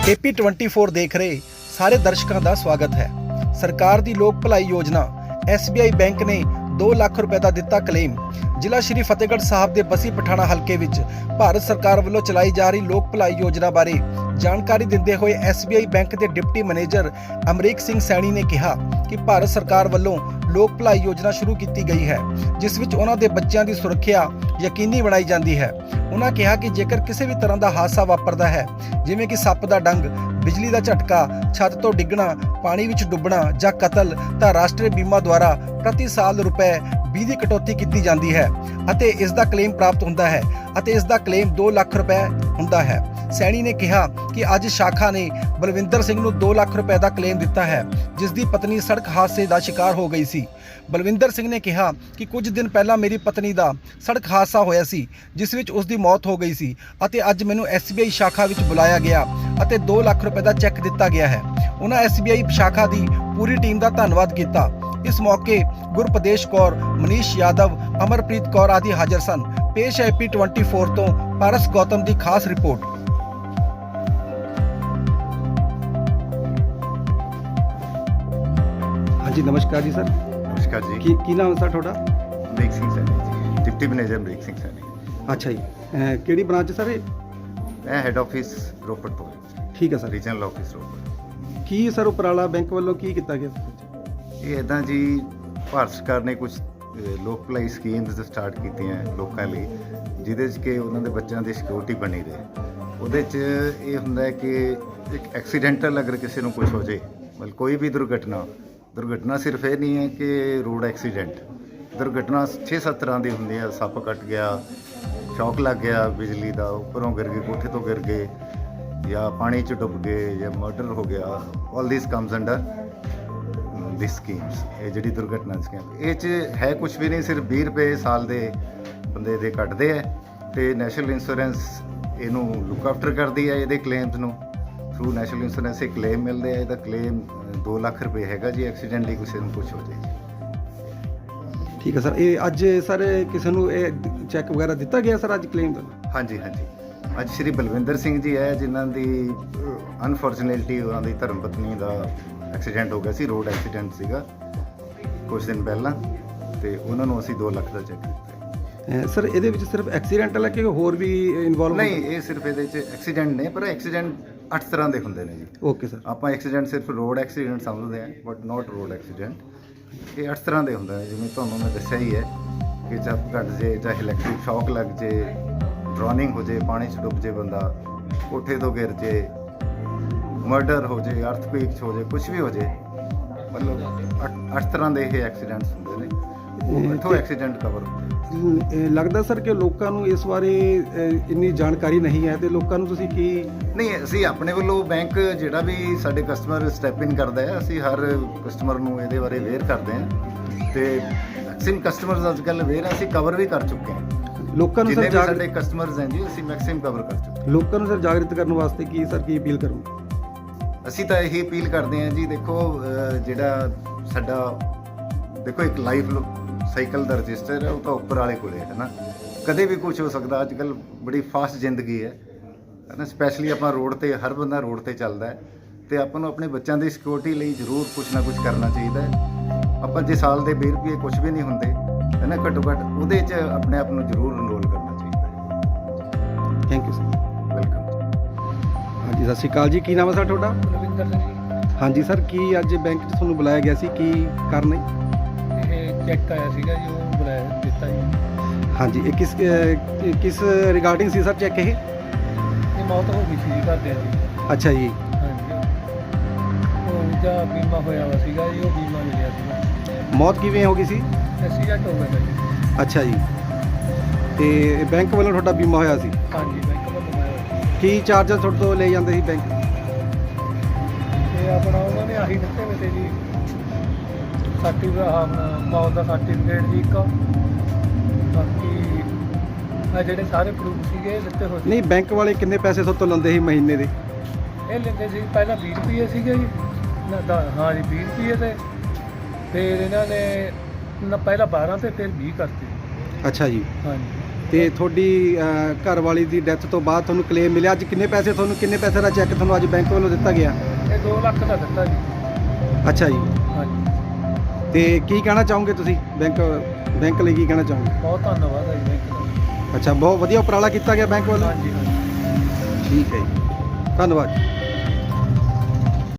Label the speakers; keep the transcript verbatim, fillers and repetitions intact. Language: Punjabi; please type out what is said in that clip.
Speaker 1: ਏਪੀ ਟਵੰਟੀ ਫੋਰ ਦੇਖ ਰਹੇ ਸਾਰੇ ਦਰਸ਼ਕਾਂ ਦਾ ਸਵਾਗਤ ਹੈ। ਸਰਕਾਰ ਦੀ ਲੋਕ ਭਲਾਈ ਯੋਜਨਾ ਐਸ ਬੀ ਆਈ ਬੈਂਕ ਨੇ ਦੋ ਲੱਖ ਰੁਪਏ ਦਾ ਦਿੱਤਾ ਕਲੇਮ। ਜ਼ਿਲ੍ਹਾ ਸ਼੍ਰੀ ਫਤਿਹਗੜ੍ਹ ਸਾਹਿਬ ਦੇ ਬਸੀ ਪਠਾਣਾ ਹਲਕੇ ਵਿੱਚ ਭਾਰਤ ਸਰਕਾਰ ਵੱਲੋਂ ਚਲਾਈ ਜਾ ਰਹੀ ਲੋਕ ਭਲਾਈ ਯੋਜਨਾ ਬਾਰੇ ਜਾਣਕਾਰੀ ਦਿੰਦੇ ਹੋਏ ਐਸ ਬੀ ਆਈ ਬੈਂਕ ਦੇ ਡਿਪਟੀ ਮੈਨੇਜਰ ਅਮਰੀਕ ਸਿੰਘ ਸੈਣੀ ਨੇ ਕਿਹਾ ਕਿ ਭਾਰਤ ਸਰਕਾਰ ਵੱਲੋਂ ਲੋਕ ਭਲਾਈ ਯੋਜਨਾ ਸ਼ੁਰੂ ਕੀਤੀ ਗਈ ਹੈ, ਜਿਸ ਵਿੱਚ ਉਹਨਾਂ ਦੇ ਬੱਚਿਆਂ ਦੀ ਸੁਰੱਖਿਆ ਯਕੀਨੀ ਬਣਾਈ ਜਾਂਦੀ ਹੈ। ਉਹਨਾਂ ਕਿਹਾ ਕਿ ਜੇਕਰ ਕਿਸੇ ਵੀ ਤਰ੍ਹਾਂ ਦਾ ਹਾਦਸਾ ਵਾਪਰਦਾ ਹੈ, ਜਿਵੇਂ ਕਿ ਸੱਪ ਦਾ ਡੰਗ, ਬਿਜਲੀ ਦਾ ਝਟਕਾ, ਛੱਤ ਤੋਂ ਡਿੱਗਣਾ, ਪਾਣੀ ਵਿੱਚ ਡੁੱਬਣਾ ਜਾਂ ਕਤਲ, ਤਾਂ ਰਾਸ਼ਟਰੀ ਬੀਮਾ ਦੁਆਰਾ ਪ੍ਰਤੀ ਸਾਲ ਰੁਪਏ ਵੀਹ ਦੀ ਕਟੌਤੀ ਕੀਤੀ ਜਾਂਦੀ ਹੈ ਅਤੇ ਇਸ ਦਾ ਕਲੇਮ ਪ੍ਰਾਪਤ ਹੁੰਦਾ ਹੈ ਅਤੇ ਇਸ ਦਾ ਕਲੇਮ ਦੋ ਲੱਖ ਰੁਪਏ ਹੁੰਦਾ ਹੈ। ਸੈਣੀ ਨੇ ਕਿਹਾ ਕਿ ਅੱਜ ਸ਼ਾਖਾ ਨੇ ਬਲਵਿੰਦਰ ਸਿੰਘ ਨੂੰ ਦੋ ਲੱਖ ਰੁਪਏ ਦਾ ਕਲੇਮ ਦਿੱਤਾ ਹੈ, ਜਿਸ ਦੀ ਪਤਨੀ ਸੜਕ ਹਾਦਸੇ ਦਾ ਸ਼ਿਕਾਰ ਹੋ ਗਈ ਸੀ। ਬਲਵਿੰਦਰ ਸਿੰਘ ਨੇ ਕਿਹਾ ਕਿ ਕੁਝ ਦਿਨ ਪਹਿਲਾਂ ਮੇਰੀ ਪਤਨੀ ਦਾ ਸੜਕ ਹਾਦਸਾ ਹੋਇਆ ਸੀ, ਜਿਸ ਵਿੱਚ ਉਸ ਦੀ ਮੌਤ ਹੋ ਗਈ ਸੀ ਅਤੇ ਅੱਜ ਮੈਨੂੰ ਐਸ ਬੀ ਆਈ ਸ਼ਾਖਾ ਵਿੱਚ ਬੁਲਾਇਆ ਗਿਆ ਅਤੇ ਦੋ ਲੱਖ ਰੁਪਏ ਦਾ ਚੈੱਕ ਦਿੱਤਾ ਗਿਆ ਹੈ। ਉਹਨਾਂ ਐਸ ਬੀ ਆਈ ਸ਼ਾਖਾ ਦੀ ਪੂਰੀ ਟੀਮ ਦਾ ਧੰਨਵਾਦ ਕੀਤਾ। ਇਸ ਮੌਕੇ ਗੁਰਪ੍ਰਦੇਸ਼ ਕੌਰ, ਮਨੀਸ਼ ਯਾਦਵ, ਅਮਰਪ੍ਰੀਤ ਕੌਰ ਆਦਿ ਹਾਜ਼ਰ ਸਨ। ਪੇਸ਼ ਹੈ ਏਪੀ ਟਵੰਟੀ ਫੋਰ ਤੋਂ ਪਾਰਸ ਗੌਤਮ ਦੀ ਖਾਸ ਰਿਪੋਰਟ। ਹਾਂਜੀ, ਨਮਸਕਾਰ ਜੀ ਸਰ।
Speaker 2: ਨਮਸਕਾਰ ਜੀ।
Speaker 1: ਕੀ ਕੀ ਨਾਮ ਹੈ ਸਰ ਤੁਹਾਡਾ?
Speaker 2: Amrik Singh Saini ji, deputy manager Amrik Singh Saini.
Speaker 1: ਅੱਛਾ ਜੀ, ਅਹ ਕਿਹੜੀ ਬ੍ਰਾਂਚ ਸਰ ਇਹ?
Speaker 2: ਮੈਂ ਹੈੱਡ ਆਫਿਸ ਰੋਪੜ ਤੋਂ।
Speaker 1: ਠੀਕ ਹੈ ਸਰ।
Speaker 2: Regional office Ropar.
Speaker 1: ਕੀ ਸਰ ਉਪਰਾਲਾ ਬੈਂਕ ਵੱਲੋਂ ਕੀ ਕੀਤਾ ਗਿਆ?
Speaker 2: ਇਹ ਇੱਦਾਂ ਜੀ, ਭਾਰਤ ਸਰਕਾਰ ਨੇ ਕੁਝ ਲੋਕ ਭਲਾਈ ਸਕੀਮਸ ਸਟਾਰਟ ਕੀਤੀਆਂ ਲੋਕਾਂ ਲਈ, ਜਿਹਦੇ 'ਚ ਕਿ ਉਹਨਾਂ ਦੇ ਬੱਚਿਆਂ ਦੀ ਸਿਕਿਉਰਿਟੀ ਬਣੀ ਰਹੇ। ਉਹਦੇ 'ਚ ਇਹ ਹੁੰਦਾ ਹੈ ਕਿ ਇੱਕ ਐਕਸੀਡੈਂਟਲ ਅਗਰ ਕਿਸੇ ਨੂੰ ਕੁਝ ਹੋ ਜਾਏ, ਮਤਲਬ ਕੋਈ ਵੀ ਦੁਰਘਟਨਾ ਦੁਰਘਟਨਾ ਸਿਰਫ ਇਹ ਨਹੀਂ ਹੈ ਕਿ ਰੋਡ ਐਕਸੀਡੈਂਟ, ਦੁਰਘਟਨਾ ਛੇ ਸੱਤ ਤਰ੍ਹਾਂ ਦੀ ਹੁੰਦੀ ਹੈ। ਸੱਪ ਕੱਟ ਗਿਆ, ਸ਼ੌਕ ਲੱਗ ਗਿਆ ਬਿਜਲੀ ਦਾ, ਉੱਪਰੋਂ ਗਿਰ ਗਏ, ਕੋਠੇ ਤੋਂ ਗਿਰ ਗਏ, ਜਾਂ ਪਾਣੀ 'ਚ ਡੁੱਬ ਗਏ, ਜਾਂ ਮਰਡਰ ਹੋ ਗਿਆ। All this comes under this schemes. ਇਹ ਜਿਹੜੀ ਦੁਰਘਟਨਾ ਸਕੀਮ, ਇਹ 'ਚ ਹੈ ਕੁਛ ਵੀ ਨਹੀਂ, ਸਿਰਫ ਵੀਹ ਰੁਪਏ ਸਾਲ ਦੇ ਬੰਦੇ ਦੇ ਕੱਟਦੇ ਹੈ ਅਤੇ ਨੈਸ਼ਨਲ ਇੰਸ਼ੋਰੈਂਸ ਇਹਨੂੰ ਲੁੱਕ ਆਫਟਰ ਕਰਦੀ ਹੈ। ਇਹਦੇ ਕਲੇਮਸ ਨੂੰ ਥਰੂ ਨੈਸ਼ਨਲ ਇੰਸ਼ੋਰੈਂਸ ਇਹ ਕਲੇਮ ਮਿਲਦੇ ਆ। ਇਹਦਾ ਕਲੇਮ ਦੋ ਲੱਖ ਰੁਪਏ ਹੈਗਾ ਜੀ, ਐਕਸੀਡੈਂਟਲੀ ਕਿਸੇ ਨੂੰ ਕੁਛ ਹੋ ਜਾਏ ਜੀ।
Speaker 1: ਠੀਕ ਹੈ ਸਰ। ਇਹ ਅੱਜ ਸਰ ਕਿਸੇ ਨੂੰ ਇਹ ਚੈੱਕ ਵਗੈਰਾ ਦਿੱਤਾ ਗਿਆ ਸਰ ਅੱਜ ਕਲੇਮ ਦਾ?
Speaker 2: ਹਾਂਜੀ ਹਾਂਜੀ, ਅੱਜ ਸ਼੍ਰੀ ਬਲਵਿੰਦਰ ਸਿੰਘ ਜੀ ਹੈ, ਜਿਨ੍ਹਾਂ ਦੀ ਅਨਫੋਰਚੂਨੇਟਲੀ ਉਹਨਾਂ ਦੀ ਧਰਮ ਪਤਨੀ ਦਾ ਐਕਸੀਡੈਂਟ ਹੋ ਗਿਆ ਸੀ। ਰੋਡ ਐਕਸੀਡੈਂਟ ਸੀਗਾ ਕੁਝ ਦਿਨ ਪਹਿਲਾਂ, ਅਤੇ ਉਹਨਾਂ ਨੂੰ ਅਸੀਂ ਦੋ ਲੱਖ ਦਾ ਚੈੱਕ ਦਿੱਤਾ।
Speaker 1: ਸਰ ਇਹਦੇ ਵਿੱਚ ਸਿਰਫ ਐਕਸੀਡੈਂਟਲ ਹੈ ਕਿ ਹੋਰ ਵੀ ਇਨਵੋਲਵ?
Speaker 2: ਨਹੀਂ, ਇਹ ਸਿਰਫ ਇਹਦੇ 'ਚ ਐਕਸੀਡੈਂਟ ਨੇ, ਪਰ ਐਕਸੀਡੈਂਟ ਅੱਠ ਤਰ੍ਹਾਂ ਦੇ ਹੁੰਦੇ ਨੇ ਜੀ।
Speaker 1: Okay sir.
Speaker 2: ਆਪਾਂ ਐਕਸੀਡੈਂਟ ਸਿਰਫ ਰੋਡ ਐਕਸੀਡੈਂਟ ਸਮਝਦੇ ਹਾਂ, ਬਟ ਨਾਟ ਰੋਡ ਐਕਸੀਡੈਂਟ। ਇਹ ਅੱਠ ਤਰ੍ਹਾਂ ਦੇ ਹੁੰਦਾ ਹੈ, ਜਿਵੇਂ ਤੁਹਾਨੂੰ ਮੈਂ ਦੱਸਿਆ ਹੀ ਹੈ ਕਿ ਚੱਪ ਕੱਟ ਜੇ, ਚਾਹੇ ਇਲੈਕਟ੍ਰਿਕ ਸ਼ੌਕ ਲੱਗ ਜੇ, ਡਰੋਨਿੰਗ ਹੋ ਜੇ, ਪਾਣੀ 'ਚ ਡੁੱਬ ਜੇ ਬੰਦਾ, ਕੋਠੇ ਤੋਂ ਗਿਰ ਜੇ, ਮਰਡਰ ਹੋ ਜੇ, ਅਰਥਕੁਏਕ ਹੋ ਜੇ, ਕੁਛ ਵੀ ਹੋ ਜੇ, ਮਤਲਬ ਅੱਠ ਅੱਠ ਤਰ੍ਹਾਂ ਦੇ ਇਹ ਐਕਸੀਡੈਂਟਸ ਹੁੰਦੇ ਨੇ। ਉਹ ਇੱਥੋਂ ਐਕਸੀਡੈਂਟ ਕਵਰ ਹੁੰਦੇ।
Speaker 1: ਲੱਗਦਾ ਸਰ ਕਿ ਲੋਕਾਂ ਨੂੰ ਇਸ ਬਾਰੇ ਇੰਨੀ ਜਾਣਕਾਰੀ ਨਹੀਂ ਹੈ, ਤੇ ਲੋਕਾਂ ਨੂੰ ਤੁਸੀਂ ਕੀ?
Speaker 2: ਨਹੀਂ, ਅਸੀਂ ਆਪਣੇ ਵੱਲੋਂ ਬੈਂਕ ਜਿਹੜਾ ਵੀ ਸਾਡੇ ਕਸਟਮਰ ਸਟੈਪ ਇਨ ਕਰਦਾ ਹੈ, ਅਸੀਂ ਹਰ ਕਸਟਮਰ ਨੂੰ ਇਹਦੇ ਬਾਰੇ ਅਵੇਅਰ ਕਰਦੇ ਹਾਂ, ਅਤੇ ਮੈਕਸਿਮਮ ਕਸਟਮਰਸ ਅੱਜ ਕੱਲ੍ਹ ਅਵੇਅਰ, ਅਸੀਂ ਕਵਰ ਵੀ ਕਰ ਚੁੱਕੇ ਹਾਂ।
Speaker 1: ਲੋਕਾਂ ਨੂੰ ਸਰ
Speaker 2: ਸਾਡੇ ਕਸਟਮਰਸ ਹੈ ਜੀ, ਅਸੀਂ ਮੈਕਸਿਮਮ ਕਵਰ ਕਰ ਚੁੱਕੇ ਹਾਂ।
Speaker 1: ਲੋਕਾਂ ਨੂੰ ਸਰ ਜਾਗਰਿਤ ਕਰਨ ਵਾਸਤੇ ਕੀ ਸਰ ਕੀ ਅਪੀਲ ਕਰੂੰ?
Speaker 2: ਅਸੀਂ ਤਾਂ ਇਹੀ ਅਪੀਲ ਕਰਦੇ ਹਾਂ ਜੀ, ਦੇਖੋ ਜਿਹੜਾ ਸਾਡਾ ਦੇਖੋ ਇੱਕ ਲਾਈਫ ਸਾਈਕਲ ਦਾ ਰਜਿਸਟਰ ਹੈ, ਉਹ ਤਾਂ ਉੱਪਰ ਵਾਲੇ ਕੋਲੇ ਹੈ ਨਾ, ਕਦੇ ਵੀ ਕੁਝ ਹੋ ਸਕਦਾ। ਅੱਜ ਕੱਲ੍ਹ ਬੜੀ ਫਾਸਟ ਜ਼ਿੰਦਗੀ ਹੈ ਨਾ, ਸਪੈਸ਼ਲੀ ਆਪਾਂ ਰੋਡ 'ਤੇ, ਹਰ ਬੰਦਾ ਰੋਡ 'ਤੇ ਚੱਲਦਾ ਹੈ, ਅਤੇ ਆਪਾਂ ਨੂੰ ਆਪਣੇ ਬੱਚਿਆਂ ਦੀ ਸਿਕਿਉਰਿਟੀ ਲਈ ਜ਼ਰੂਰ ਕੁਛ ਨਾ ਕੁਛ ਕਰਨਾ ਚਾਹੀਦਾ ਹੈ। ਆਪਾਂ ਜੇ ਸਾਲ ਦੇ ਵੀਹ ਰੁਪਏ ਕੁਛ ਵੀ ਨਹੀਂ ਹੁੰਦੇ ਹੈ ਨਾ, ਘੱਟੋ ਘੱਟ ਉਹਦੇ 'ਚ ਆਪਣੇ ਆਪ ਨੂੰ ਜ਼ਰੂਰ ਇਨਰੋਲ ਕਰਨਾ ਚਾਹੀਦਾ ਹੈ।
Speaker 1: Thank you sir.
Speaker 2: ਵੈਲਕਮ।
Speaker 1: ਹਾਂਜੀ, ਸਤਿ ਸ਼੍ਰੀ ਅਕਾਲ ਜੀ। ਕੀ ਨਾਮ ਹੈ ਸਰ ਤੁਹਾਡਾ?
Speaker 3: ਬਲਵਿੰਦਰ ਸਿੰਘ।
Speaker 1: ਹਾਂਜੀ ਸਰ, ਕੀ ਅੱਜ ਬੈਂਕ 'ਚ ਤੁਹਾਨੂੰ ਬੁਲਾਇਆ ਗਿਆ ਸੀ, ਕੀ ਕਾਰਨ ਹੈ?
Speaker 3: ਇਹ ਚੈੱਕ ਆਇਆ ਸੀਗਾ ਜੀ, ਉਹ ਬੁਲਾਇਆ ਦਿੱਤਾ ਜੀ।
Speaker 1: ਹਾਂਜੀ, ਇਹ ਕਿਸ ਅਹ ਕਿਸ ਰਿਗਾਰਡਿੰਗ ਸੀ ਸਰ ਚੈੱਕ ਇਹ?
Speaker 3: ਇਹ ਮੌਤ ਹੋ ਗਈ ਸੀ ਜੀ ਘਰਦਿਆਂ ਦੀ।
Speaker 1: ਅੱਛਾ ਜੀ।
Speaker 3: ਹਾਂਜੀ, ਉਹ ਜਾਂ ਬੀਮਾ ਹੋਇਆ ਵਾ ਸੀਗਾ ਜੀ, ਉਹ ਬੀਮਾ ਮਿਲਿਆ ਸੀਗਾ।
Speaker 1: ਮੌਤ ਕਿਵੇਂ ਹੋ ਗਈ ਸੀ?
Speaker 3: ਐਕਸੀਡੈਂਟ ਹੋ ਗਿਆ ਜੀ।
Speaker 1: ਅੱਛਾ ਜੀ, ਤੇ ਬੈਂਕ ਵੱਲੋਂ ਤੁਹਾਡਾ ਬੀਮਾ ਹੋਇਆ ਸੀ?
Speaker 3: ਹਾਂਜੀ, ਬੈਂਕ ਵੱਲੋਂ ਹੋਇਆ।
Speaker 1: ਕੀ ਚਾਰਜਸ ਤੁਹਾਡੇ ਤੋਂ ਲੈ ਜਾਂਦੇ ਸੀ ਬੈਂਕ?
Speaker 3: ਤੇ ਆਪਣਾ ਉਹਨਾਂ ਨੇ ਆਹੀ ਦਿੱਤੇ ਵੇ ਤੇ ਜੀ, ਸਰਟੀਫਿਕੇਟ, ਮੌਤ ਦਾ ਸਰਟੀਫਿਕੇਟ ਜੀ ਇੱਕ, ਬਾਕੀ ਆ ਜਿਹੜੇ ਸਾਰੇ ਪ੍ਰੂਫ ਸੀਗੇ ਦਿੱਤੇ ਹੋਏ ਸੀ।
Speaker 1: ਨਹੀਂ, ਬੈਂਕ ਵਾਲੇ ਕਿੰਨੇ ਪੈਸੇ ਤੁਹਾਡੇ ਤੋਂ ਲੈਂਦੇ ਸੀ ਮਹੀਨੇ ਦੇ?
Speaker 3: ਇਹ ਲੈਂਦੇ ਸੀ ਪਹਿਲਾਂ ਵੀਹ ਰੁਪਏ ਸੀਗੇ ਜੀ ਨਾ, ਦਾ ਹਾਂ ਜੀ ਵੀਹ ਰੁਪਏ, ਤੇ ਫਿਰ ਇਹਨਾਂ ਨੇ ਨਾ ਪਹਿਲਾਂ ਬਾਰਾਂ ਤੇ ਫਿਰ ਵੀਹ ਕਰਤੇ।
Speaker 1: ਅੱਛਾ ਜੀ।
Speaker 3: ਹਾਂਜੀ,
Speaker 1: ਤੇ ਤੁਹਾਡੀ ਅਹ, ਘਰ ਵਾਲੀ ਦੀ ਡੈਥ ਤੋਂ ਬਾਅਦ ਤੁਹਾਨੂੰ ਕਲੇਮ ਮਿਲਿਆ। ਅੱਜ ਕਿੰਨੇ ਪੈਸੇ ਤੁਹਾਨੂੰ ਕਿੰਨੇ ਪੈਸੇ ਦਾ ਚੈੱਕ ਤੁਹਾਨੂੰ ਅੱਜ ਬੈਂਕ ਵੱਲੋਂ ਦਿੱਤਾ ਗਿਆ?
Speaker 3: ਇਹ ਦੋ ਲੱਖ ਦਾ ਦਿੱਤਾ ਜੀ।
Speaker 1: ਅੱਛਾ ਜੀ,
Speaker 3: ਹਾਂਜੀ,
Speaker 1: ਤੇ ਕੀ ਕਹਿਣਾ ਚਾਹੋਗੇ ਤੁਸੀਂ ਬੈਂਕ ਬੈਂਕ ਲਈ ਕੀ ਕਹਿਣਾ ਚਾਹੋਗੇ?
Speaker 3: ਬਹੁਤ ਧੰਨਵਾਦ ਹੈ ਜੀ ਬੈਂਕ ਦਾ।
Speaker 1: ਅੱਛਾ, ਬਹੁਤ ਵਧੀਆ ਉਪਰਾਲਾ ਕੀਤਾ ਗਿਆ ਬੈਂਕ ਵੱਲੋਂ।
Speaker 3: ਹਾਂਜੀ ਹਾਂਜੀ।
Speaker 1: ਠੀਕ ਹੈ ਜੀ, ਧੰਨਵਾਦ।